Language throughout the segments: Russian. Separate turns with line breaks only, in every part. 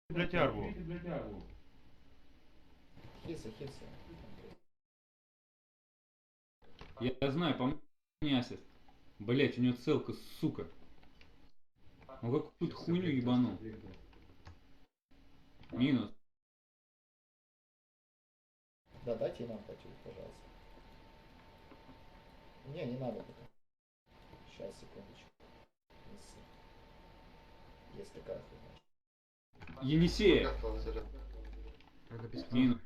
Блять, арбу.
Хилься, хилься.
Я знаю, по мне ассист. Блять, у него целка, сука. Он какую-то хуйню ебанул. Минус.
Да, дайте нам почуть, пожалуйста. Не надо пока. Сейчас, секундочку. Неси. Есть такая хуйня.
Енисея.
Она без
Минус.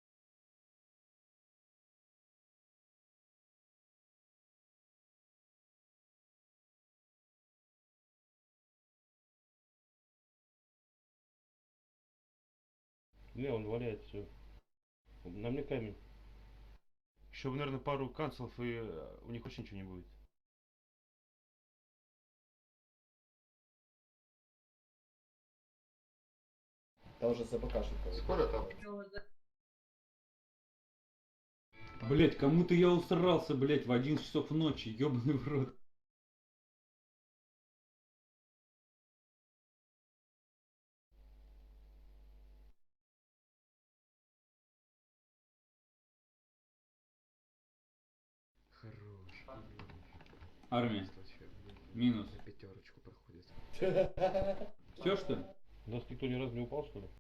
Не, он валяет все. На мне камень. Еще, наверное, пару канцелов, и у них вообще ничего не будет.
Да уже забакашил.
Скоро там.
Блять, кому-то я усрался, блять, в 11 часов ночи, ебаный в рот.
Хорош.
Армия. Минус.
На пятерочку проходит.
Все что ли?
У нас никто ни разу не упал, что ли?